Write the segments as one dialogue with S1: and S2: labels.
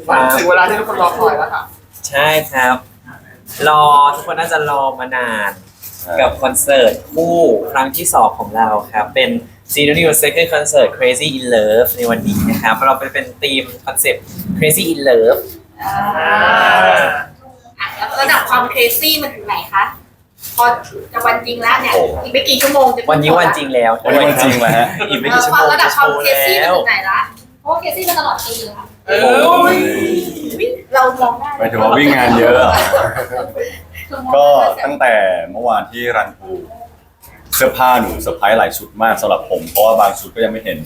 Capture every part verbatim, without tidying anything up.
S1: ถึงเวลาที่ทุกคนรอคอยแล้วค่ะ
S2: ใช่ครับรอทุกคนน่าจะรอมานานกับคอนเสิร์ตคู่ครั้งที่สองของเราครับเป็น Zero New Second Concert Crazy in Love ในวันนี้นะครับเราเป็นเป็นธีมคอนเซ็ปต์ Crazy in Love
S3: แล้วระดับความเครซี่มันถึงไหนคะพอจะวันจริงแล้วเนี่ยอีกไม่กี่ชั่วโมงจะ
S2: วันนี้วันจริงแล้ว
S4: วันนี้วันจริงแล้วฮะ
S2: อีกไม่กี่ชั่วโมง
S3: ระดับความเครซี่มัน
S2: แล้ว
S3: ถึงไหนละเพราะว่าเครซี่มันตลอดปีค่ะ
S1: เออ
S3: เรามองได้
S4: หมายถึงว่าวิ่งงานเยอะ ก็ตั้งแต่เมื่อวานที่รันทูเสื้อผ้าหนูเซอร์ไพรส์หลายชุดมากสำหรับผมเพราะว่าบางชุดก็ยังไม่เห็น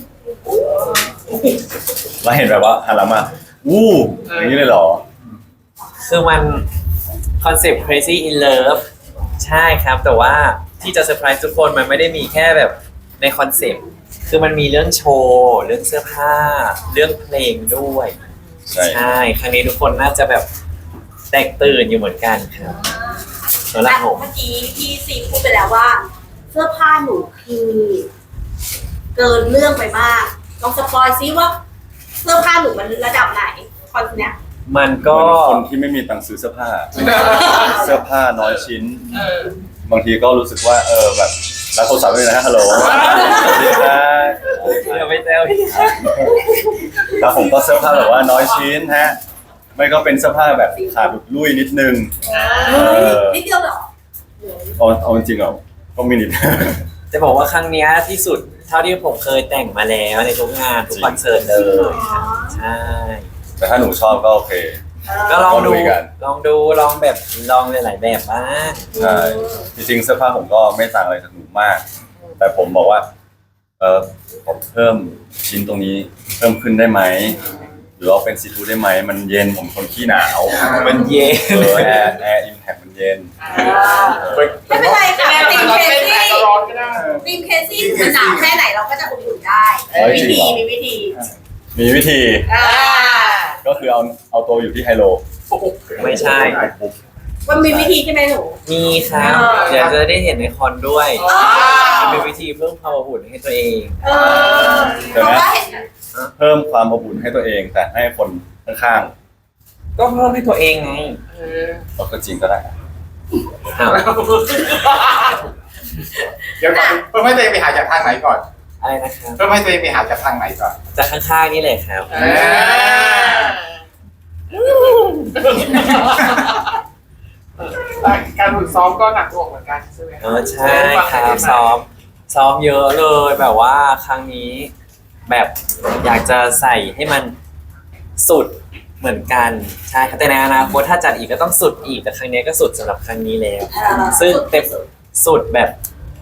S4: แล้วเห็นแบบว่าหันหลังมาอู้อย่างนี้เลยเหรอ
S2: คือมันคอนเซ็ปต์ Crazy in Love ใช่ครับแต่ว่าที่จะเซอร์ไพรส์ทุกคนมันไม่ได้มีแค่แบบในคอนเซ็ปต์คือมันมีเรื่องโชว์เรื่องเสื้อผ้าเรื่องเพลงด้วยใช่ครั้งนี้ทุกคนน่าจะแบบแตกตื่นอยู่เหมือนกันครับสำหรับผม
S3: เมื่อกี้พี่ซีพูดไปแล้วว่าเสื้อผ้าหนูคือเกินเรื่องไปมากลองสปอยซิว่าเสื้อผ้าหนูมันระดับไหนคอนเนี้ย
S2: มันก็
S4: คนที่ไม่มีตังค์ซื้อเสื้อผ้าเสื้อผ้าน้อยชิ้นบางทีก็รู้สึกว่าเออแบบรับโทรศัพท์ด้วยนะฮัลโหลสวัสดีครับ
S2: เดี๋ยวไปแซว
S4: แล้วผมก็เสื้อผ้าแบบว่าน้อยชิ้นฮะไม่ก็เป็นเสื้อผ้าแบบขาดหลุดลุ่ยนิดนึง
S3: นิดเดียวเหรอ
S4: เอาเอาจริงๆเหรอก็มีนิด
S2: จะบอกว่าครั้งนี้ที่สุดเท่าที่ผมเคยแต่งมาแล้วในทุกงานทุกคอนเสิร์ตเลยใช่
S4: แต่ถ้าหนูชอบก็โอเค
S2: ก็ลองดูลองดูลองแบบลองหลายๆแบบบ้าง
S4: ใช่จริงๆเสื้อผ้าผมก็ไม่ต่างอะไรจากหนูมากแต่ผมบอกว่าเออผมเพิ่มชิ้นตรงนี้เพิ่มขึ้นได้ไหมหรือว่าเป็นซีทูได้ไหมมันเย็นผมคนขี้หนาว
S2: มันเย็น
S4: แอร์แอร์อิมแพคมันเย็น
S3: ไม่เป็นไรค่ะทีมเคซี่ทีมเคซี่มันหนาวแค่ไหนเราก็จะอุ่นๆได้วิธีมีวิธี
S4: มีวิธีก็คือเอาเอาตัวอยู่ที่ไฮโล
S2: ไม่ใช่
S3: มันมีวิธีใช่ไหมหนู
S2: มีครับเดี๋ยวจะได้เห็นในคอนด้วยมันเป็นวิธีเพิ่มความอบอุ่นให้ตัวเอง
S4: เดี๋ยวนะเพิ่มความอบอุ่นให้ตัวเองแต่ให้คนข้าง
S2: ๆก็เพิ่มให้ตัวเองไง
S4: ก็จริงก็ได้
S1: เดี๋ยวก่อนเพิ่มให้ตัวเองไปหาจากทางไหนก่อน
S2: อะไรนะครับ
S1: เพิ่มให้ตัวเองไปหาจากทางไหนก่อน
S2: จากข้างๆนี่เลยครับ
S1: การฝึกซ้อมก็หนักหน่วงเหมือนกันใช่ไหม
S2: เออใช่ครับซ้อมซ้อมเยอะเลยแบบว่าครั้งนี้แบบอยากจะใส่ให้มันสุดเหมือนกันใช่ครับแต่ในอนาคตถ้าจัดอีกก็ต้องสุดอีกแต่ครั้งนี้ก็สุดสำหรับครั้งนี้แล้วซึ่งเต็มสุดแบบ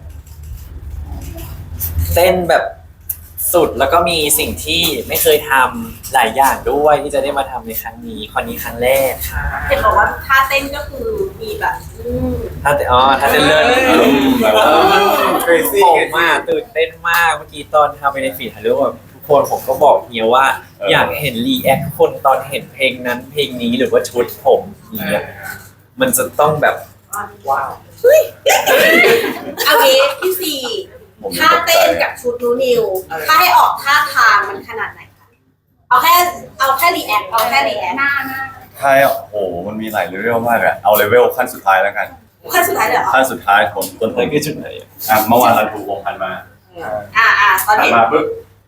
S2: เต้นแบบสุดแล้วก็มีสิ่งที่ไม่เคยทำหลายอย่างด้วยที่จะได้มาทำในครั้งนี้คอนนี้ครั้งแรก
S3: เห็นบอกว่าท่าเต้นก็คือมีแบบ
S2: ท่าเต้นอ๋อท่าเต้นเลิศผมมากตื่นเต้นมากเมื่อกี้ตอนทำไปในฟีดถ่ายรูปแบบทุกคนผมก็บอกเฮียว่าอยากเห็นรีแอคคนตอนเห็นเพลงนั้นเพลงนี้หรือว่าชุดผมเนี่ยมันจะต้องแบบว้าว
S3: เอางี้พี่ซีท่าเต้นกับชุดนูนิวถ้าให้ออกท่าทางมันขนาดไหนคะเอาแค่เอาแค่รีแอคเอาแค่รีแอคหน้าหน้า
S4: ใช่โอ้โหมันมีหลายเลเวลมากอะเอาเลเวลขั้นสุดท้ายแล้วกัน
S3: ขั้นสุดท้ายเลยเหรอ
S4: ขั้นสุดท้ายผมต้น
S2: ต้นคือชุดไหน
S4: อ่ะเมื่อวานเราถูกวงพันมา
S3: อ่าอ่าตอนนี้
S4: มาปึ๊บ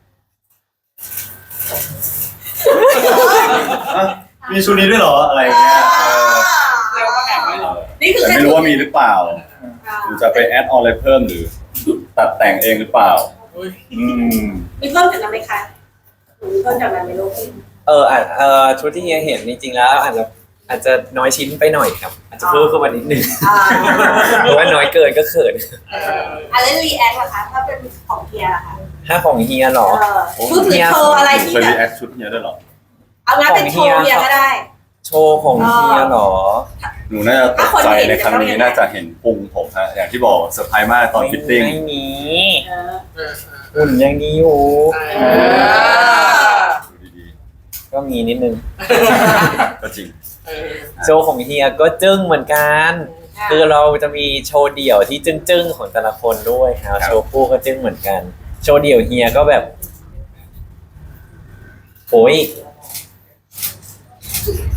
S4: มีชุดนี้ด้วยเหรออะไรเงี้ย
S3: นี่คือ
S4: ไม่รู้ว่ามีหรือเปล่าหรือจะไปแอดออนอะไรเพิ่มหรือตัดแต่งเองหรือเปล่า
S3: มีเพิ่มจากนั้นไหมคะมีเพิ่มจากนั้นไหมลูก
S2: เอออาจเออชุดที่เฮียเห็นจริงๆแล้วอาจจะอาจจะน้อยชิ้นไปหน่อยครับอาจจะเพิ่มขึ้นมานิดนึงเพราะว่าน้อยเกินก็เขิน
S3: อะไรรีแอคล่ะคะถ้าเป็นของเฮียล่ะคะ
S2: ถ้าของเฮียหรอ
S3: ชุดหรือโชว์อะไรที่
S4: แบบรีแอคชุดเฮียด้วยหรอ
S3: เอางั้นเป็นโชว์เฮียก็ได้
S2: โชว์ของเฮียหรอ
S4: หนูน่าจะตกใจในครั้งนี้น่าจะเห็นพุงผมฮะอย่างที่บอกเซอร์ไพรส์มากตอนฟิตติ้ง
S2: ไม่มีหุ่นยังดีอยู่ก็มีนิดนึง
S4: ก็จริง
S2: โชว์ของเฮียก็จึ้งเหมือนกันคือเราจะมีโชว์เดี่ยวที่จึ้งๆของแต่ละคนด้วยครับโชว์คู่ก็จึ้งเหมือนกันโชว์เดี่ยวเฮียก็แบบโอ้ย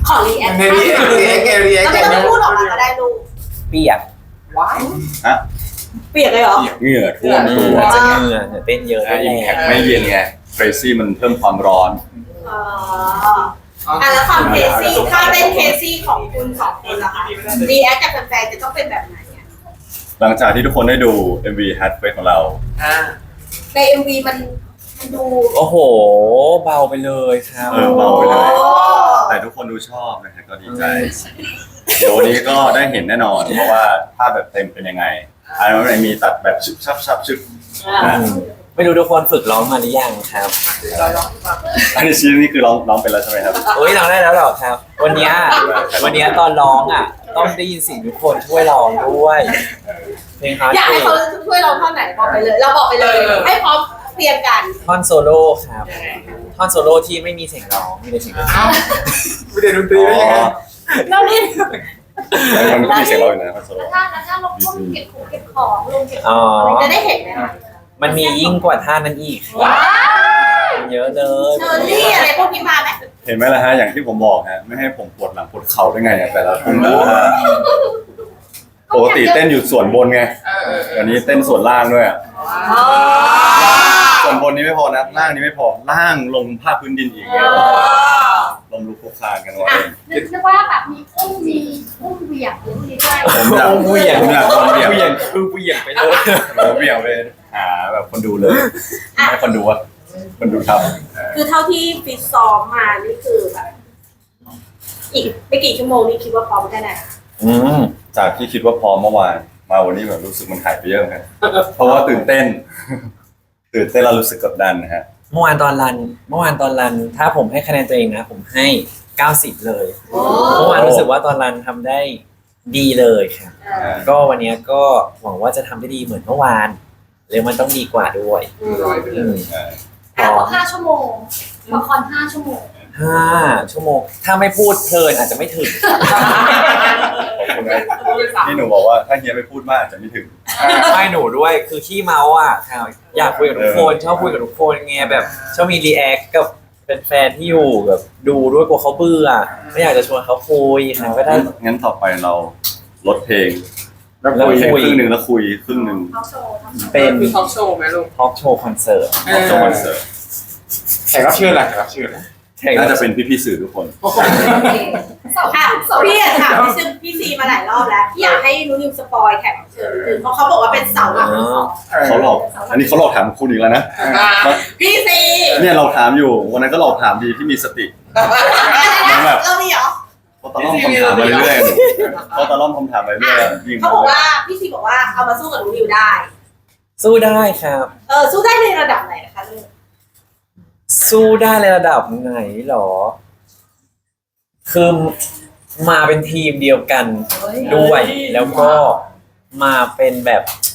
S3: ขอรีแอค
S1: ในรีแอครีแอครีแอค
S3: แล้วไม่ต้องพูดออกมาก็ได้ลูก
S2: เปียก
S1: ว้าย
S4: ฮะ
S3: เปียกเลยเหรอ
S4: เหงื่อท่วม
S2: เห
S4: ตัว
S2: งื่อจะเหงื่อเนี่ยเต้นเยอะ
S4: อ่ะ
S2: ด้วย
S4: อิม
S2: แห
S4: แพค
S2: ละ
S4: ไม่เย็นไง crazy มันเพิ่มความร้อน
S3: อ๋ออ่ะแล้วความเคซี่ถ้าเต้นเคซี่ของคุณสองคนล่ะคะรีแอคจากแฟนๆจะต้องเป็นแบบไหนอะ
S4: หลังจากที่ทุกคนได้ดู เอ็ม วี Hat f a c e ของเรา
S1: อ่า
S3: ในเอ็มวีมันมันดู
S2: โอ้โห เบาไปเลยครับ
S4: เออเบาไปเลย
S3: โอ้
S4: แต่ทุกคนดูชอบนะครับก็ดีใจ เดี๋ยววันนี้ก็ได้เห็นแน่นอน เพราะว่าภาพแบบเต็มเป็นยังไงอันนั้นมีตัดแบบชึบชับชับชึบ
S3: อ่ะ
S2: อืมไม่รู้ทุกคนฝึกร้องมาหรือยังครับ
S4: อันนี้ชิ้นนี้คือร้องร้องเป็นแล้วใช่ไหมครับ
S2: โอ้ยร้องได้แล้วเหรอครับ วันเนี้ยวันเนี้ยตอนร้องอ่ะ ต้องได้ยินเสียงทุกคนช่วยร้องด้วยเพลงฮาร์ด
S3: อยากให้เขาช่วยเราเท่าไหนบอกไปเลย เราบอกไปเลย ให้พร้อมเตรียมกัน
S2: ท่อนโซโล่ครับ ท่อนโซโล่ที่ไม่มีเสียงร้องมีแต่เสียงดนตรี
S1: เอ้าไม่ได้ดนตรี
S4: อ๋
S1: ได้ยังไง
S4: อ
S3: เราเล่น
S4: มันก็มีเสียงร้องอยู่นะคอนโซล
S5: แล้วถ้าแล้วถ้าลงพวกเก็บของเก็บของลงเก็บข
S2: อ๋
S5: อ
S2: อ
S5: งอะไร
S3: จะได้เห็นไหมคะ
S2: มันมียิ่งกว่าท่านั้นอีกครับเยอะเลย
S3: เชอร์รี่อะไรพวกนี้มาไหม
S4: เห็นไหมล่ะฮะอย่างที่ผมบอกฮะไม่ให้ผมปวดหลังปวดเข่าได้ไงอะแต่ละคนแต่ละท่าปกติเต้นอยู่ส่วนบนไง
S1: เออเออเออ
S4: วันนี้เต้นส่วนล่างด้วยอะ
S3: อ๋อ
S4: ส่วนบนนี้ไม่พอนะล่างนี้ไม่พอล่างลงภาคพื้นดินอีกเนี่ยลงลุกคลุกคลานกันไว้
S5: นึกว่าแบบมีอุ้มมีอุ้มเหวี่ยงหรือมีด้วย
S4: ผมอยาก
S2: เหวี่ยง
S4: ผมอยากลองเหวี่ยง
S2: เหวี่ยงคือเหวี่ยงไปเลย
S4: ผมเหวี่ยงไปหาแบบคนดูเลยให้คนดูว่าคนดูครับ
S3: คือเท่าที่ฟิตซ้อมมานี่คือแบบอีกไม่กี่ชั่วโมงนี่คิดว่าพร้อมแค่ไหนคะ
S2: อืม
S4: จากที่คิดว่าพร้อมเมื่อวานมาวันนี้แบบรู้สึกมันหายไปเยอะครับเพราะว่าตื่นเต้น ตื่นเต้นแล้วรู้สึกกดดันนะฮะ
S2: เมื่อวานตอนรัน เมื่อวานตอนรัน ถ้าผมให้คะแนนตัวเองนะ ผมให้เก้าสิบเลย เมื่อวานรู้สึกว่าตอนรันทำได้ดีเลยครับ
S3: เออ
S2: ก็วันนี้ก็หวังว่าจะทำได้ดีเหมือนเมื่อวานหรือมันต้องดีกว่าด้วย
S3: อืม
S1: ร้อยไปเล
S2: อื
S1: ย
S2: ม
S5: แต่พอห้าชั่วโมงละครห้าชั่วโมง
S2: ห้าชั่วโมง ถ้าไม่พูดเพลินอาจจะไม่ถึง
S4: ขอบคุณนะนี่หนูบอกว่าถ้าเฮียไม่พูดมากอาจจะไม่ถึง
S2: ไม่หนูด้วยคือขี้เมาอ่ะค่ะอยากคุยกับทุกคนชอบคุยกับทุกคนไงแบบชอบมีรีแอคกับแฟนๆที่อยู่แบบดูด้วยกลัวเขาเบื่อไม่อยากจะชวนเขาคุยค่ะก็ได้
S4: งั้นต่อไปเราลดเพลง
S1: แล้ว
S2: แล้ว
S1: คุย
S4: เพลง
S2: คุย
S4: ครึ่งหนึ่งแล้วคุยครึ่งหนึ่ง
S5: เขาโชว์ทั้งหมด
S2: เป็น
S1: คือท็อปโชว์ไหมลูก
S2: ทอล์กโชว์คอนเสิร์ต
S1: เออ
S4: จบคอนเสิร์ต
S1: แขกรับเชิญล่ะแขกรับเชิญล่ะ
S4: น่าจะเป็นพี่ๆสื่อทุกคน
S5: สอง
S3: ค่ะ
S5: สอง
S3: พี่อะถามพี่ซึ่งพี่ซีมาหลายรอบแล้วพี่อยากให้นุ้นิวสปอยแขกรับเชิญนิดนึงเพราะเขาบอกว่าเป็นเสาหลักของ
S4: เขาหลอก อันนี้เขาหลอกถามคุณอีกแล้วนะ
S3: พี่ซี
S4: เนี่ยเราถามอยู่วันนั้นก็หลอกถามดีที่มีสติ แบบ
S3: เรามีเหรอ
S4: เขาตะล่อมคำถามมาเรื่อยๆเขาตะล่อมคำถามมาเรื่อยๆยิง
S3: เขาบอกว่าพี่ซีบอกว่าเอามาสู้กับนุ้นิวได้
S2: สู้ได้ครับ
S3: เออสู้ได้ในระดับไหนนะคะลูก
S2: สู้ได้ในระดับไหนหรอ คือมาเป็นทีมเดียวกันด้วย แล้วก็มาเป็นแบบ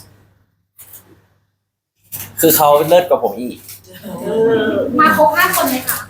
S2: คือเขาเลิศกว่าผมอีก
S5: มาครบห้าคนเลยค่ะ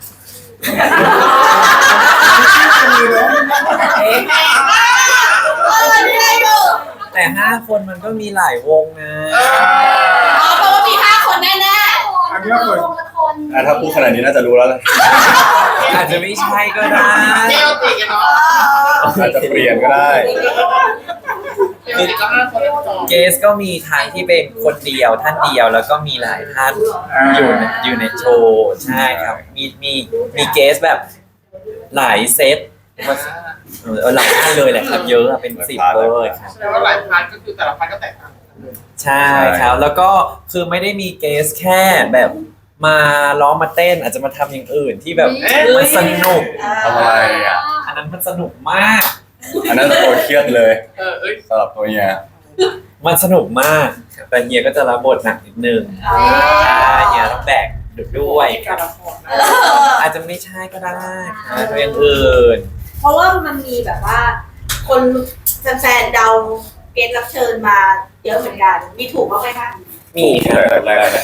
S3: เออนี่ได้ดู
S2: แต่ห้าคนมันก็มีหลายวงนะ
S3: อ๋อเพราะว่ามีห้าคนแน่
S1: อันนี้ก็คน
S5: ลงละคน
S4: อ่ะถ้าพูดขนาดนี้น่าจะรู้แล้วแหละ
S2: อาจจะไม่ใช่ก็ได้
S1: เจ้าตีกันเนาะ
S4: อาจจะเปลี่ยนก็ได้
S1: เจ้าตีก็ห้าคนแล้วต่อ
S2: เกสก็มีทั้งที่เป็นคนเดียวท่านเดียวแล้วก็มีหลายท่านอยู่ในอยู่ในโชว์ใช่ครับ มีมีมีเกสแบบหลายเซตเออหลายท่านเลยแหละครับเยอะอะเป็นสิบเลยครับ
S1: แสดงว่าหลายพาร์ทก็คือแต่ละพาร์ทก็แตกต่างกัน
S2: ใช่ครับ แล้วก็คือไม่ได้มีเกสแค่แบบมาร้องมาเต้นอาจจะมาทำอย่างอื่นที่แบบมันสนุก
S3: ๆ
S4: ทำอะไรอ่ะ
S2: อันนั้นมันสนุกมาก
S4: อันนั้นตัวเครียดเลย
S1: เออเอ้ย
S4: สำหรับตัวเฮีย
S2: มันสนุกมากแต่เฮียก็จะรับบทหนักนิดนึง
S3: อ๋อ
S2: ใช่เฮียต้องแบกด้วย
S1: การละครนะ
S3: เออ
S2: อาจจะไม่ใช่ก็ได้อาจจะอย่างอื่น
S3: เพราะว่ามันมีแบบว่า คนแฟนๆเดาเกณฑ์รับเชิญมาเยอะเหมือนกัน มีถูกบ้างไหมคะ
S2: มีครับ
S4: แรกๆนะ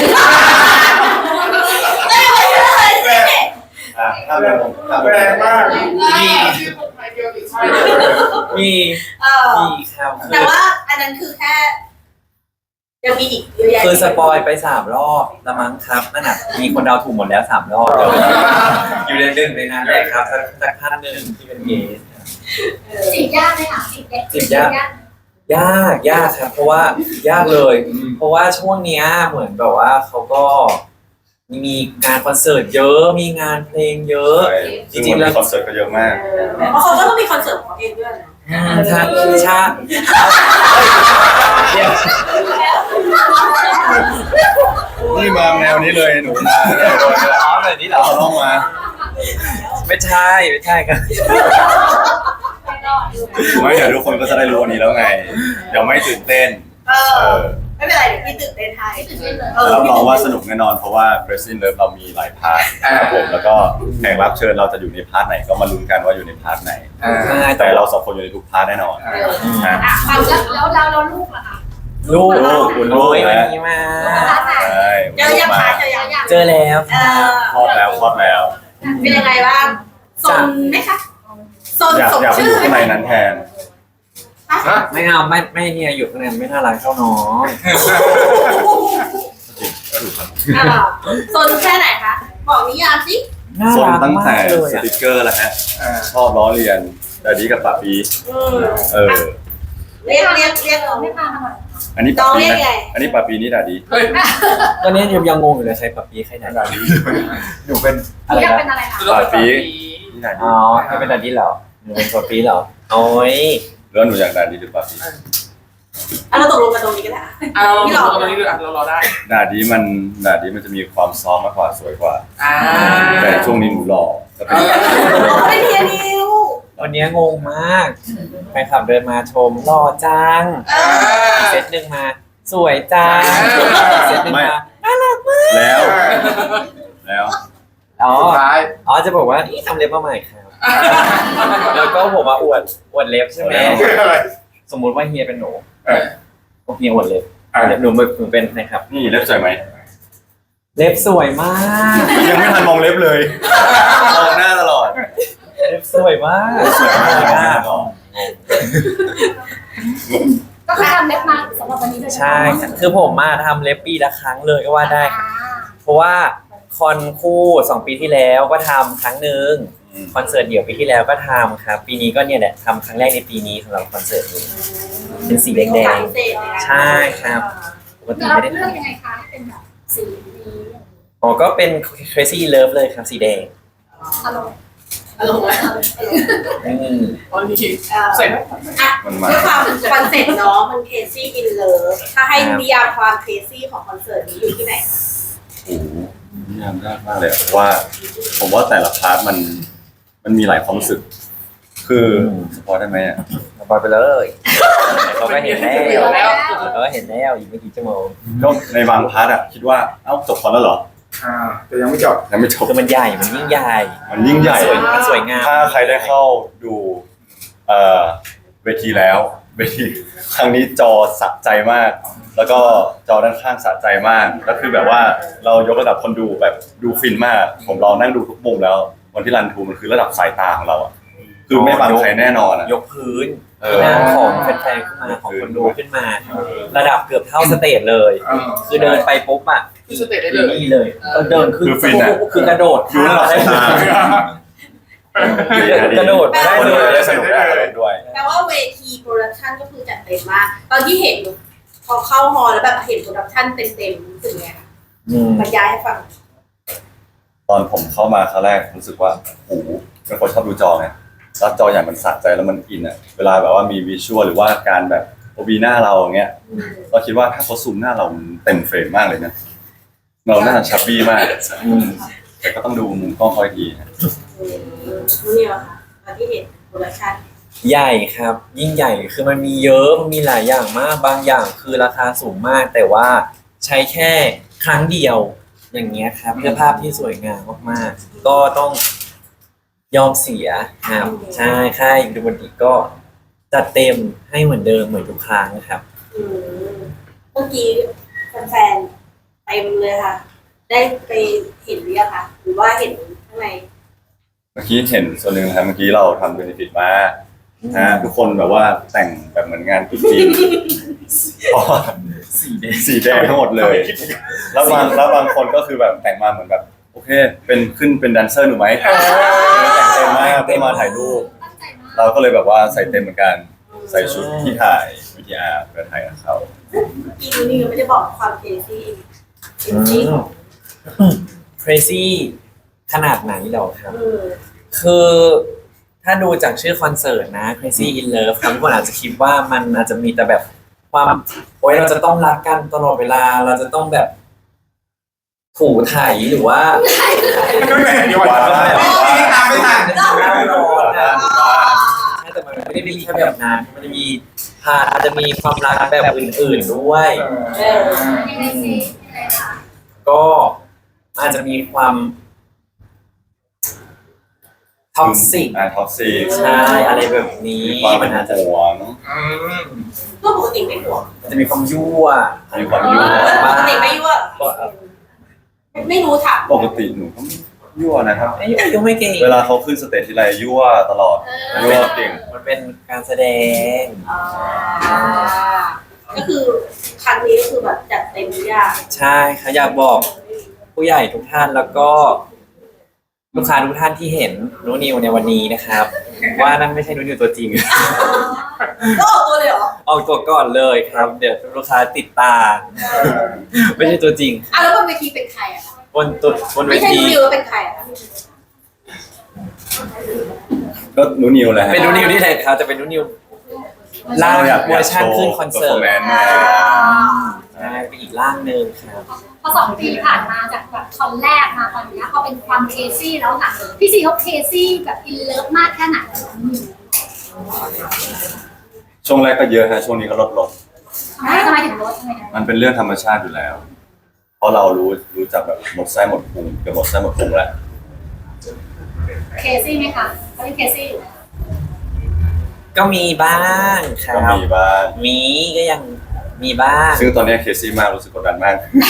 S3: ไม่เลยเลยสิ
S4: อ่ะถ้าเป็นผมถ้าเป็น
S1: แรงมาก
S2: มี
S1: ชื่อคนไทยเดียวติดใช่
S2: มี
S3: เออ
S2: มีครับ
S3: แต่ว่าอันนั้นคือแค่ยังมีอีกเยอะแยะ
S2: คือสปอยไปสามรอบละมั้งครับนั่นน่ะมีคนเดาถูกหมดแล้วสามรอบเลยอยู่ในหนึ่งในนั้นแหละครับสักสักท่านหนึ่งที่เป็นเกส
S5: จีบยากไหมคะจีบเด็ก
S2: จีบยาก ยากยากครับเพราะว่ายากเลย เพราะว่าช่วงเนี้ยเหมือนแบบว่าเขาก็มีงานคอนเสิร์ตเยอะมีงานเพลงเยอะ
S4: ใช่ซึ่งวันนี้คอนเสิร์ตก็เยอะมาก
S3: เพราะเขาก็ต้องมีคอนเสิร์ตของเขาเองด้วยนะ
S2: อืมชาชาเดี๋ยว
S4: นี่มาแนวนี้เลยหนูมาแนวนี้เลย
S2: อ๋อแบบนี้เหรอ
S4: เราต้องมา
S2: ไม่ใช่ไม่ใช่ครับ
S4: ไม่เดี๋ยวทุกคนก็จะได้รู้วันนี้แล้วไงเดี๋ยวไม่ตื่นเต้น
S3: เอ
S4: เอ
S3: อ
S4: อ
S3: ไม่เป็นไรเดี๋ยวพี่ตื่นเต้นให้
S5: ตื่นเต้นเลย
S3: เออ
S4: รับรองว่าสนุกแน่นอนเพราะว่า Crazy Love เรามีหลายพาร์ทครับผมแล้วก็แขกรับเชิญเราจะอยู่ในพาร์ทไหนก็มาลุ้นกันว่าอยู่ในพาร์ทไหน
S1: อ่า
S2: ใช่
S4: แต่เราสองคนอยู่ในทุกพาร์ทแน่นอน
S3: เออ
S4: นะ
S3: อ่ะความ
S5: แล้
S3: รั
S5: ว
S3: ก
S5: แล้วเราเราลูกล่ะคะ
S2: ลูก
S4: ลูกคุณลู
S2: โอ้
S4: ก
S2: ยวัน
S4: นะ
S2: นี้มา
S4: ใช่
S3: เจอยัง
S4: มา
S3: คะเจอยัง
S2: เจอแล้ว
S3: เออ
S4: คลอดแล้วคลอดแล้ว
S3: เป็นยังไงบ้างซนไหมคะซน
S4: อยาก
S3: สม
S4: อยากไป
S3: ชื่
S4: อ
S3: อยู่
S4: ข้าง
S3: ไห
S4: ใน
S3: ม
S4: นั้นแทน
S1: ฮะ
S2: ไม่เอาไม่ไม่เนี่ยอยู่ข้างในไม่น่ารักเท่าน้อง
S3: อ่าซนแค่ไหนคะบอกนิยามสิ
S2: น่า
S4: ส่วน
S2: รัก
S4: ตั้ง
S2: มา
S4: แต่
S2: กเลย
S4: ส
S2: อะ
S4: ติกเกอร์แล้วฮะ
S1: อ่า
S4: ชอบล้อเลียนแต่ดีกับปาปี
S3: อืม
S4: เออ
S3: เรียกเรียกเรียก
S5: ไม่พามาหน่อย
S4: อันนี้
S3: น้
S4: ปา
S3: อง
S4: ปี
S3: เรียก
S4: นะ
S3: ไง
S4: อันนี้ปาปีนี่ด่าดี
S1: เฮ้ย
S2: ตอนนี้ยังยังงงอยู่เลยใครปับปีใครไหน
S1: ด่าดีหนูเป็น
S5: หนูอยากเป็นอะไรคะ
S4: ปาปีนี่ด่าดี
S2: อ๋อให้เป็นดันดี้เหรอหนูเป็นปับปีเหรอโอ้ย
S4: แล้วหนูอยากด่าดีหรือปาปี
S3: อ่ะเราตกลงกันตรงนี้ก็ได้
S1: อ่ะเราเราตรงนี้ดูอ่ะเรารอได้
S4: ด่าดีมันด่าดีมันจะมีความซอฟต์มากกว่าสวยกว่า
S1: อ่า
S4: แต่ช่วงนี้หนูหล่อก็เป็น
S3: เขาไม่เทียนิว
S2: วันนี้งงมากแฟนคลับเดินมาชมหล่อจัง
S3: เออ
S2: เซตหนึ่งมา สวยจังเซตหนึ่งมา
S4: แล้ว แล้ว
S2: อ๋อ
S1: สุดท้าย
S2: อ๋อจะบอกว่านี่ทำเล็บมาใหม่ครับ แล้วก็ผมมาอวดอวดเล็บใช่ไหม
S1: อะไร
S2: สมมุติว่าเฮียเป็นหนู
S1: เออ
S2: เฮียอวดเล็บ
S1: อ่า
S2: เล็บหนูหนูเป็นนะครับ
S4: นี่เล็บสวยไหม
S2: เล็บสวยมาก
S4: ยังไม่ทันมองเล็บเลยมองหน้าตลอด
S2: เล็บสวยมาก
S4: สวยมาก
S5: ก็คือทำเล็บมาสำหรับวันนี้เลย
S2: ใช่ครับคือผมมาทำเล็บปีละครั้งเลยก็ว่าได้ครับ
S5: อ่า
S2: เพราะว่าคอนคู่สองปีที่แล้วก็ทำครั้งหนึ่งคอนเสิร์ตเดี่ยวปีที่แล้วก็ทำครับ ปีนี้ก็เนี่ยแหละทำครั้งแรกในปีนี้สำหรับคอนเสิร์ตนี้เป็นสีแดง
S3: พิเศษเลยนะ
S2: ใช่ครับ ๆปกติ
S5: เรา
S2: ไม่ได้
S5: เลือก
S2: ทำ
S5: ยังไงคะให้เป็นแบบสีนี้
S2: อ๋อก็เป็น crazy love เลยครับสีแดง
S5: อารมณ์
S3: อารมณ์ว่า
S2: อืม
S1: ตอนนี้
S3: เอ่อ
S1: เสร็จไหม
S3: อ่ะ
S4: มันมา
S3: ด้วยความคอนเซ็ปต์เนาะมัน crazy in love ถ้าให้นิยามความ crazy ของคอนเสิร์ตนี้อยู่ที่ไหนคะ
S4: โอ้โหนิยามยากมากเลยอะเพราะว่า ผมว่าแต่ละพาร์ทมันมันมีหลายความรู้สึก คือสปอยได้ไหมอ่ะ
S2: ปล่อยไปเลยเขาก็เห็นแล้
S1: เดี๋ยว
S2: ว
S1: แล้ว
S2: เขาก็เห็นแล้วอีกไม่กี่ชั่วโมง
S4: ก็ในบางพาร์ทอ่ะคิดว่าเอ้าจบคอนแล้วเหรอ
S1: อ่าแต่ยังไม่จบ
S4: ยังไม่จบ
S2: คือมันใหญ่มันยิ่งใหญ่
S4: มันยิ่งใหญ่
S2: สวยมันสวยงาม
S4: ถ้าใครได้เข้าดูเอ่อเวทีแล้วเวทีครั้งนี้จอสะใจมาก แล้วก็จอด้านข้างสะใจมากแล้วคือแบบว่าเรายกระดับคนดูแบบดูฟินมาก ผมลองนั่งดูทุกมุมแล้ววันที่รันทูมันคือระดับสายตาของเราอ่ะคือไม่บังใครแน่นอนอ่ะ
S2: ยกพื้น
S4: เออ
S2: ที่นั่งของแฟนๆขึ้นมาของคนดูขึ้นมา ระดับเกือบเท่าสเตจเลย
S1: อ่า
S2: คือเดินไปปุ๊บอ่ะ
S1: คือสเตจได้เลย
S2: นี่เลยก็เดินขึ้น
S4: คือฟินอะ
S2: คือกระโดด
S4: ดูระดับสายตา
S2: กระโดด
S4: ได้
S2: ได้
S4: เล
S2: เลย ย
S4: ได้สนุกได้อารมณ์ด้วย
S3: แปลว่าเวทีโปรดักชันก็คือจัดเต็มมาก ตอนที่เห็นพอเข้าฮอลแล้วแบบเห็นโปรดักชันเต็มๆรู้สึกไงคะ
S2: อืม
S3: บรรยายให้ฟัง
S4: ตอนผมเข้ามาครั้งแรกรู้สึกว่าโอ้โหเป็นคนชอบดูจอไงแล้วจออย่างมันสะใจแล้วมันอินอ่ะเวลาแบบว่ามีวิชวลหรือว่าการแบบโอบีหน้าเราอย่างเงี้ยเราคิดว่าถ้าเขาซูมหน้าเรามันเต็มเฟรมมากเลยนะเราหน้าชับบี้มาก
S2: อืม
S4: แต่ก็ต้องดูมุมกล้องคอยทีนะ
S3: อืมรู้เนี่ยค่ะตอนที่เห็นโปรดักชัน
S2: ใหญ่ครับ ยิ่งใหญ่คือมันมีเยอะมันมีหลายอย่างมากบางอย่างคือราคาสูงมาก แต่ว่าใช้แค่ครั้งเดียวอย่างเงี้ยครับเพื่อภาพที่สวยงามมากๆก็ต้องยอมเสียครับใช่ค่ายดูบันดีก็จัดเต็มให้เหมือนเดิมเหมือนทุกครั้งครับ
S3: อืมเมื่อกี้แฟนๆเต็มเลยค่ะ ได้ไปเห็นหรือยังคะหรือว่าเห็นข้างใน
S4: เมื่อกี้เห็นส่วนหนึ่งนะครับเมื่อกี้เราทำเบนฟิตมานะทุกคนแบบว่าแต่งแบบเหมือนงานตุ๊จีน พอ
S2: สีแดง
S4: สีแดงทั้งหมดเลย แล้วบางแล้วบางคนก็คือแบบแต่งมาเหมือนแบบโอเค เป็นขึ้นเป็นแดนเซอร์หนูไหมแต่งเต็มมากเพื่อมาถ่ายรูป
S5: ตั้งใจมาก
S4: เราก็เลยแบบว่าใส่เต็มเหมือนกัน ใส่ชุดที่ถ่ายวิทยาเพื่อถ่ายกับเขา
S3: อีนูนิวไม่ได้บอกความเคซี่เคซี่ของ
S2: crazy ขนาดไหนหรอครับ
S3: เออ
S2: คือถ้าดูจากชื่อคอนเสิร์ตนะ Crazy in Love ครับทุกคนอาจจะคิดว่ามันอาจจะมีแต่แบบความโอ๊ยเราจะต้องรักกันตลอดเวลา เราจะต้องแบบถูถ่ายหรือว่า
S1: ก็ไม่เดี๋ยววันนี้ตามไม่ทัน
S2: เล่านอนนะใช่แต่มันไม่ได้มีแค่แบบนั้นมันจะมีพาอาจจะมีความรักแบบอื่นๆด้วย
S3: เออ
S5: ยังไงสิยังไงคะ
S2: ก็อาจจะมีความท็อกซิก
S4: อ่าท็อกซิก
S2: ใช่อะไรแบบนี้
S4: มีความเป็
S2: มัน นอาจจะ
S4: ห่วง
S1: อืม
S3: ก็ปกติไม่ห่วง
S2: มันจะมีความยั่ว
S4: มีความยั่ว
S3: ปกติไม่ยั่วไม่รู้ถาม
S4: ปกติหนูก็ยั่วนะครับ
S2: ไอ้ยั่วยั่วไม่เก่ง
S4: เวลาเขาขึ้นสเตจทีไรยั่วตลอดยั่วเก่ง
S2: มันเป็นการแสดง
S3: อ่าก็คือครั้งนี้ก็คือแบบจัดเต็มทุกอย่าง
S2: ใช่ค่ะอยากบอกผู้ใหญ่ทุกท่านแล้วก็ลูกค้าทุกท่านที่เห็นนูนิวในวันนี้นะครับ ว่านั่นไม่ใช่นูนิวตัวจริง
S3: ก็ออกตัวเลยเหรอ
S2: ออกตัวก่อนเลยครับ เดี๋ยวลูกค้าติดตาม ไม่ใช่ตัวจริง
S3: อ่ะแล้วบนเวทีเป็นใครอ่ะ
S2: บนตัวบนเว
S3: ไม่ใช่
S2: ที
S3: นูนิวแล้วเป็นใครอ่ะ
S4: ก็หนูนิวแหละฮะ
S2: เป็นนูนิวที่ไหนครับจะเป็นนูนิวล่างเวอร์ชันขึ้นคอนเสิร์ต
S4: แมน
S3: อ่า
S2: ใช่เป็นอีกร่างหนึ่งครับ
S5: พอสองปีผ่านมาจากแบบคอนแรกมาตอนเนี้ยเขาเป็นความเคซี่แล้วค่ะพี่ซีเขาเคซี่แบบอินเลิฟมากแค่ไหน
S4: ช่วงแรกก็เยอะฮะช่วงนี้ก็ลดลง
S5: ทำไมทำไมถึงลดทำไมถึงลด
S4: มันเป็นเรื่องธรรมชาติอยู่แล้ว เพราะเรารู้รู้จักแบบหมดไส้หมดพุงเกือบหมดไส้หมดพุงแล้ว
S5: เคซี่ไหมคะเขาเป็นเคซี่อยู่ไหม
S2: ก็มีบ้างครั
S4: ก็
S2: บ
S4: มีบ้าง
S2: มีก็ยังมีบ้าง
S4: ซึ่งตอนนี้เคซี่มากรู้สึกกดดันมาก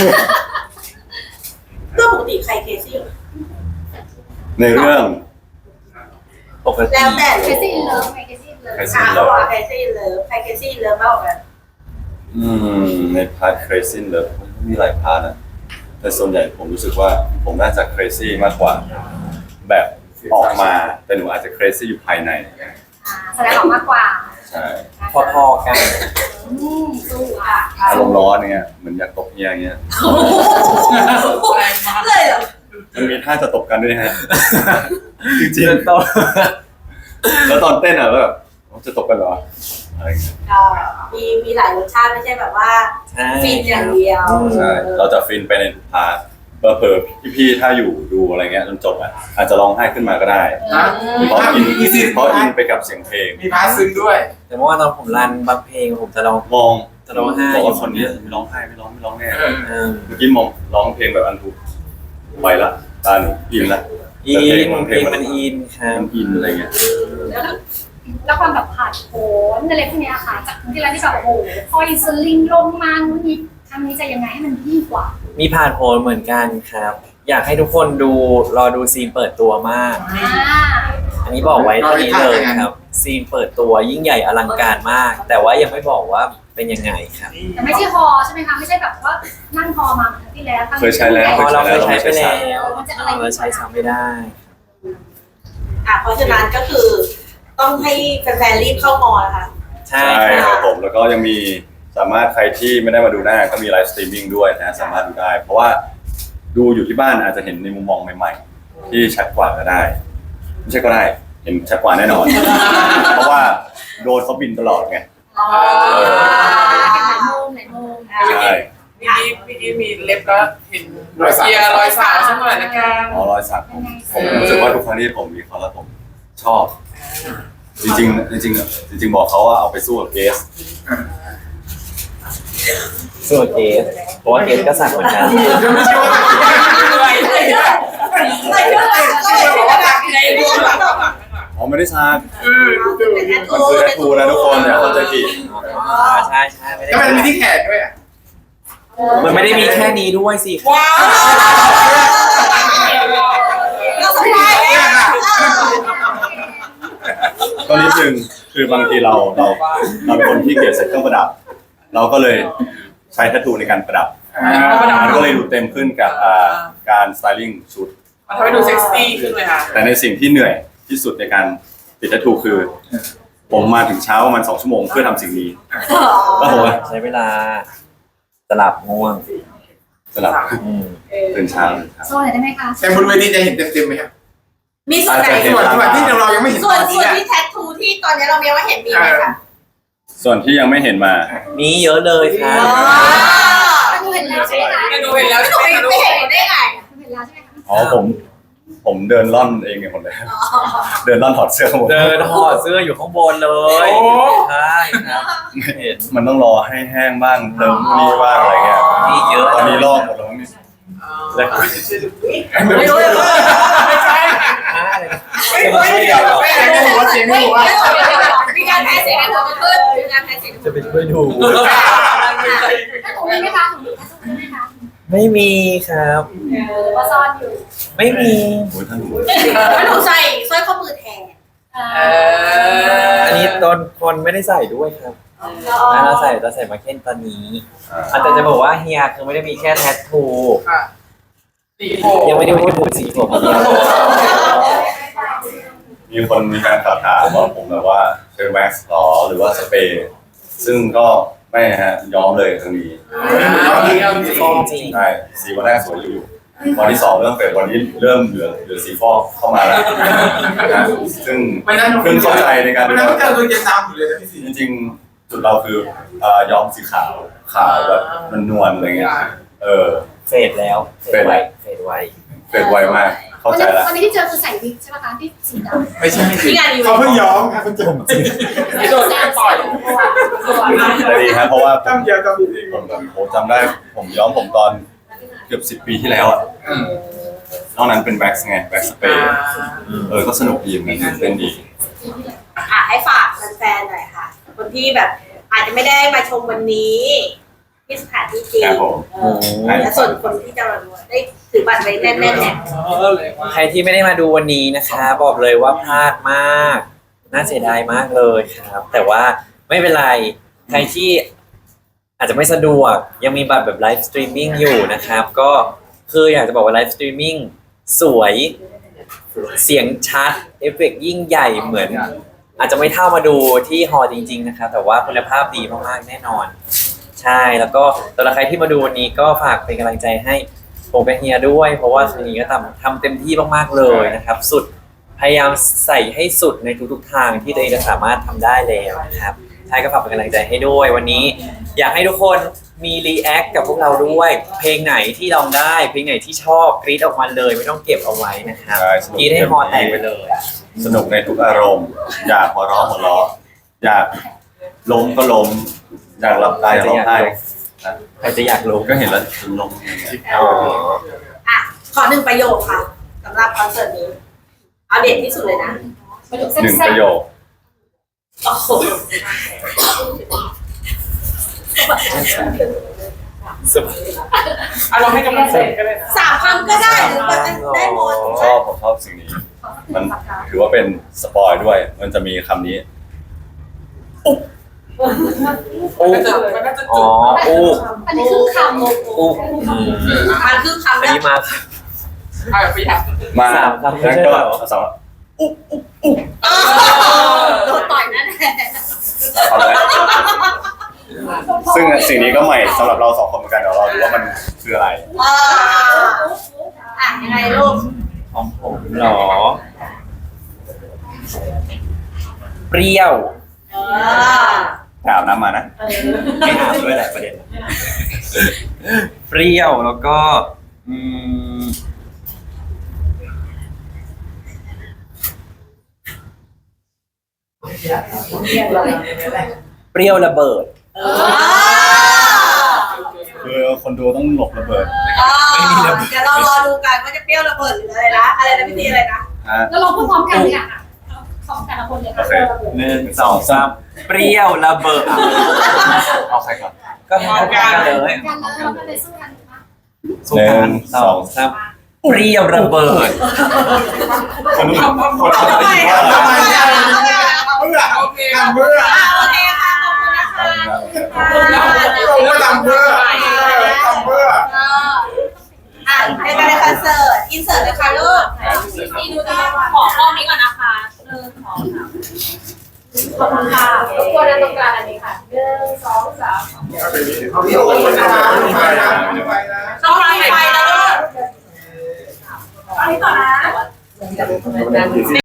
S3: เรื่องปกติใครเคซี่
S4: ในเรื่อง
S2: ปกติ
S3: แล้วแต่
S5: เคซี่อินเลิฟไหมเคซี่อินเลิฟ
S3: อ่ะเขาบอกใครเคซี่เลิฟใครเคซี่เลิฟมากกว่ากัน
S4: อืมในพาร์ท crazy เลยมีหลายพาร์ทนะแต่ส่วนใหญ่ผมรู้สึกว่าผมน่าจะ crazy มากกว่า แบบออกมาแต่หนูอาจจะ crazy อยู่ภายใน
S5: อ่าแสดงออกมากกว่า
S4: ใช่
S2: พอๆกัน
S5: อืมสู้อ่ะ
S4: อารมณ์ร้อนเนี่ยเหมือนอยากตบเฮียอย่างเงี้ย
S3: เลยเหรอ
S4: มันมีท่าจะตบกันด้วยนะฮะ จริง
S2: เริ่มต้น
S4: ๆแล้วตอนเต้นอ่ะแล้วแบบจะตบกันเหรออะไรอย่างเงี้ย
S3: อ่ามีมีหลายรสชาติไม่ใช่แบบว่า
S2: ใช่
S3: ฟินอย่างเดียว
S4: ใช่เราจะฟินไปในทุกพาร์ทเผลอๆพี่ๆถ้าอยู่ดูอะไรเงี้ยจนจบอ่ะอาจจะร้องไห้ขึ้นมาก็ได้
S1: นะ
S4: เพราะอิน
S1: มีซีน
S4: เพราะอินไปกับเสียงเพลง
S1: มีพาร์ทซึ้งด้วย
S2: แต่เมื่อวานตอนผมรันบางเพลงผมจะร้อง
S4: มอง
S2: จะร้องไห้
S4: บอกว่าคนนี้ไม่ร้องไห้ไม่ร้องไม่ร้องแน่
S1: เออ
S2: เออ
S4: เมื่อกี้มองร้องเพลงแบบอันทุกไปละตาหนูอินละ
S2: อิ
S4: แต่เพลง
S2: น
S4: มันเพ
S2: เพ
S4: ล
S2: ล
S4: ง
S2: ง
S4: มั
S2: มัน นอินครับ
S4: มันอินอะไรเงี้ย
S3: แล้ว
S5: แล้วความแบบผ่านโผนอะไรพวกเนี้ยค่ะจากครั้งที่แล้วที่แบบโอ้โหคอยสลิงลงมานู่นนี่ครั้งนี้จะยังไงให้มันยิ่งกว่า
S2: มีผ่านโพลเหมือนกันครับ อยากให้ทุกคนดูรอดูซีนเปิดตัวมาก
S5: อ่า
S2: อันนี้บอกไว้ตรงนี้เลยครับ ซีนเปิดตัวยิ่งใหญ่อลังการมาก แต่ว่ายังไม่บอกว่าเป็นยังไงครับ
S5: แต่ไม่ใช่ฮอใช่ไหมคะไม่ใช่แบบว่านั่งฮอมาเหมือนครั้งที่แล้วครั้ง
S4: เคยใช้แล้ว
S2: พอเราเคยใช้ไป
S4: เราไม่ใช้
S2: แล้ว
S5: มันจะอะไร
S2: เราใช้ซ้ำไม่ได้
S3: อ่ะเพราะฉะนั้นก็คือต้องให้แฟนๆรีบเข้ามอนะคะ
S2: ใช่
S4: ใช่
S2: ค
S4: ครับ รับผมแล้วก็ยังมีสามารถใครที่ไม่ได้มาดูหน้าก็มีไลฟ์สตรีมมิ่งด้วยนะสามารถดูได้ เพราะว่าดูอยู่ที่บ้านอาจจะเห็นในมุมมองใหม่ๆ ที่ชัดกว่าก็ได้ไม่ใช่ก็ได้เห็นชัดกว่าแน่นอน เพราะว่าโดนเขาบินตลอดไง
S3: อ๋อ
S5: หลายโมงหลายโมง
S4: ใช่
S6: เมื่อกี้เมื่อกี้มีเล็บแล้วเห็นรอยเกียร์รอยสาวสักหน่อยละกัน
S4: อ๋อรอยสักผมผมรู้สึกว่าทุกครั้งที่ผมมีเขาแล้วผมชอบ จริงๆจริงๆจริง ๆ บอกเขาว่าเอาไปสู้กับเกส
S2: ส่วนเกสเพราะว่าเกสก็สั่งเหมือนกัน
S1: จะไม่ใช่ว่า
S6: อะไร
S3: ใส่เสื้อใส่เสื้อใส่เสื้อในรวมแบบ
S4: อ๋อไม่ได้ซัก
S1: เออดูดู
S3: เป็นแอ
S4: มันคือแทททูนะทุกคนอย่าเข้าใจผิด
S2: อ๋อใช่ใช่ไม่ได้
S1: ก็มันมีที่แขนด้วยอ่ะ
S2: มันไม่ได้มีแค่นี้ด้วยสิครับ
S1: ว้าว
S3: เราสบาย
S1: เนี่ยค่ะ
S4: ก็นิดนึงคือบางทีเราเราเราเป็นคนที่เกลียดใส่เครื่องประดับ เราก็เลยใช้ทัตทูในการประดับ
S1: อ่า
S4: มันก็เลยดูเต็มขึ้นกับอ่าการสไตลิ่งชุด
S6: มันทำให้ดูเซ็กซี่ขึ้นเลยค่ะ
S4: แต่ในสิ่งที่เหนื่อยที่สุดในการติดทัตทูคือ ผมมาถึงเช้าประมาณสองชั่วโมงเพื่อทำสิ่งนี้แล้วผมก็
S2: ใช้เวลาสลับง่วง
S4: สลับ
S2: อืม
S4: ตื่นเช้าครับ
S5: โชว์หน่อยได้ไหมคะ
S1: แต่บนเวทีจะเห็นเต็มๆไหมครับ
S3: มีส่วนไหน
S4: อาจจะเห็
S1: ส่วนส่วนที่เรายังไม่เห็น
S3: ส่วน
S1: ตอน
S3: ส่
S1: นี้
S3: วน
S1: อะ
S3: ที่แทททูที่ตอนนี้เรายังไม่เห็นมีไหมคะ
S4: ส่วนที่ยังไม่เห็นมา
S2: มีเยอะเลยครับ
S3: อ๋อ
S5: ดูเห็นแล้วใช่ไหมคะ
S6: ไม่ดูเห็นแล้ว
S3: ไม่
S6: ใช่
S3: ถูก
S6: ไหม
S3: ไม่
S6: คะ
S3: เห็นได้ไง
S5: ดูเห็นแล้วใช่ไหมคะ
S4: อ๋อผมผมเดินล่อนเองเนี่ยหมดเลยเดินล่อนถอดเสื้อหมด
S2: เดินถอดเสื้ออยู่ข้างบนเลย
S6: โอ้
S2: ใช่ครับเห็น
S4: มันต้องรอให้แห้งบ้างเติมนี่บ้างอะไรเงี้ย
S2: มีเยอะ
S4: ตอนนี้ลอกหมดแล้วนี่
S2: แล้ว
S3: ไม่รู้เลยว่า
S6: ไม่ใช่ค่ะ
S2: จะมาช่วยกันเหรอ
S1: ไม่ได้ไม่หัวเสียงไม่หัว
S3: มีการแพ้เสียงกันขึ้นมีการแพ้เสียง
S2: จะไปช่วยดู
S5: ถ้าถูกมีไหมคะถูกมีไหมคะ
S2: ไม่มีครับ
S5: หรือว่าซ่อนอยู่
S2: ไม่มี
S4: โอ้ยท่านหนู
S3: ไม่ถูกใส่สร้อยข้อมือแทน
S6: เออ
S2: อันนี้ตอนคนไม่ได้ใส่ด้วยครับอ่าเราใส่เราใส่มาเค้นตอนนี้
S4: อ่า
S2: อาจจะจะบอกว่าเฮียคือไม่ได้มีแค่แทททู
S6: ค่ะสีโพ
S2: ยังไม่ได้พูดถึงสีผมเดียว
S4: มีคนมีการถามถามว่าผมแบบว่าใช้แว็กซ์หรอหรือว่าสเปรย์ซึ่งก็ไม่ฮะย้อมเลยครั้งนี้
S2: ฟองจริง
S4: ใช่สีวันแรกสวยอยู่วันที่สองเริ่มเฟดวันนี้เริ่มเหลือเหลือสีฟอกเข้ามาแล้วนะซึ่ง
S1: ไม่นั่น
S4: เพิ่งเข้าใจในการ
S1: ไม่
S4: ดู
S1: นั่น
S4: แล
S1: ก็เจอตัวเย็นน้ำอยู่เลยนะพี่สี
S4: จริงๆจุดเราคือเอ่อย้อมสีขาวขาวแบบมันนวลอะไรเงี้ยเออ
S2: เฟดแล้ว
S4: เฟดไว้
S2: เฟดไว
S4: เฟดไวมากเข้าใจแล้ว
S5: วันนี้ที่เจอคือใส่วิกใช่ไหมคะที่สีดำ
S1: ไม่ใช่
S3: ที่งานอีเว
S1: เขา
S3: นต์
S1: เพิ่งย้อมครับคุณจุ๋ม
S6: ที่โดนปล่อย
S4: แต่ดีครับเพราะว่าผ
S1: ตั้
S4: ม
S1: งเดียวตั้งดี
S4: ผมแบบผมจำได้ผมย้อมผมตอนเกือบสิบปีที่แล้วอ่ะนอกนั้นเป็นแว็กซ์ไงแว็กซ์สเปรย์เออก็สนุกดีเหมือนกันเป็นดี
S3: อ่ะให้ฝากแฟนๆหน่อยค่ะ คนที่แบบอาจจะไม่ได้มาชมวันนี้ที่สถานที่จริง
S4: ครับผม
S3: เออและส่วนคนที่จะมาดูได้ถือบัตรไว้แน่นๆเนี่ย
S6: เออเลยว่า
S2: ใครที่ไม่ได้มาดูวันนี้นะคะ บอกเลยว่าพลาดมาก น่าเสียดายมากเลยครับ แต่ว่าไม่เป็นไร ใครที่อาจจะไม่สะดวกยังมีบัตรแบบไลฟ์สตรีมมิ่งอยู่นะครับ ก็คืออยากจะบอกว่าไลฟ์สตรีมมิ่งสวยเสียงชัดเอฟเฟกต์ยิ่งใหญ่เหมือน อาจจะไม่เท่ามาดูที่ฮอลล์จริงๆนะครับแต่ว่าคุณภาพดีมากๆแน่นอน ใช่แล้วก็สำหรับใครที่มาดูวันนี้ก็ฝากเป็นกำลังใจให้ผมกับเฮียด้วย เพราะว่าคืนนี้ก็ทำทำเต็มที่มากๆเลยนะครับ สุดพยายามใส่ให้สุดในทุกๆทางที่ตัวเองจะสามารถทำได้แล้วนะครับใช่ก็ฝากเป็นกำลังใจให้ด้วยวันนี้ อยากให้ทุกคนมีรีแอคกับพวกเราด้วย เพลงไหนที่ลองได้ เพลงไหนที่ชอบกรี๊ดออกมาเลย ไม่ต้องเก็บเอาไว้นะครับ
S4: ใช่สนุก
S2: กรี๊ดให้ฮอแตกไปเลย
S4: สนุกในทุกอารมณ์ อยากหัวเราะหัวเราะอยากล้มก็ล้ม อยากหลับตาอยากร้องไห้
S2: ใครจะอยากรู้
S4: ก็เห็นแล้วล้ม
S2: อ๋อ
S3: อ่ะขอหนึ่งประโยคค่ะสำหรับคอนเสิร์ตนี้เอาเด็ดที่สุดเลยนะ
S5: ประโยค
S4: หนึ่ง
S5: แซ่
S4: ป
S5: บ
S4: ระโยค
S3: โอ้โห
S2: สุด
S6: อารมณ์ให้กำลังใจก็เลยนะ
S3: สามคำก็ได้หรือแบบได้หมด
S4: ผมชอบผมชอบสิ่งนี้ มันถือว่าเป็นสปอยด้วย มันจะมีคำนี้
S2: อู้
S6: มันจะมันน่าจะ
S2: อ๋อ
S6: จุด
S2: อู้
S5: ๆอันนี้คือคำ
S2: อู้อืม
S3: มันคือคำ
S2: อัน
S3: แร
S2: นี้
S3: ก
S2: มา
S6: ใช่ประหยัด
S4: มา
S2: สามคำไม่
S4: แล้ว
S2: ใช่
S4: ก็
S2: เหรอ
S4: สอง
S3: โดนต่อยนั่นแหละ
S4: คำแรกซึ่งสิ่งนี้ก็ใหม่สำหรับเราสองคนเหมือนกันเดี๋ยวเราดูว่ามันคืออะไร
S3: เอออ่ะยังไงลูก
S2: ของผมเหรอ เปรี้ยว
S3: เออ
S4: ถามน้ำมานะ
S2: ไม่อาบด้วยแหละประเด็น เปรี้ยวแล้วก็อืมเปรี้ยวระเบิด
S3: เออ
S4: คือคนดูต้องหลบระเบิด
S3: ไม่มีระเบิดเดี๋ยวเรารอดูกันว่าจะเปรี้ยวระเบิดหรืออะไรนะ อะไรนะพี่ตีอะไรนะ
S4: ฮะ
S5: แล้วเราพูดพร้อมกันเลยอ่ะของแต่ละคนเลย
S4: โอ
S5: ค่ะ
S4: เค
S2: หนึ่งสองสามเปรี้ยวระเบิด
S4: เอาใครก่อน
S2: ก็พร้อมกันเลย
S5: กันแล้วเราก็เลยสู้กันถูกปะ
S2: สุดท้ายสองสามเปรี้ยวระเบิด
S4: คนนู้นคน
S3: เอา
S4: นู้น
S3: ไป
S1: ทำไม
S3: เอาไปเอาไป
S1: เบื่อ
S6: โอเค
S1: การเบื่อ
S3: อ่ะโอเคค่ะ ขอบคุณนะคะ
S1: ผมก็ทำเพื่อทำเพื่อ
S3: เอออ่ะในการในคอนเสิร์ตอินเสิร์ตเลยค่ะลูกพี่ดูนะขอกล้องนี้ก่อนนะคะหนึ่งสองสามขอบคุณค่ะรบกวนด้านตรงกลางอันนี้ค่ะหนึ่งสองสาม
S1: เอาพี่โอ้ยไปนะไปนะไปนะ
S3: ต้องไฟไฟแล้วลูกตอนนี้ต่อนะ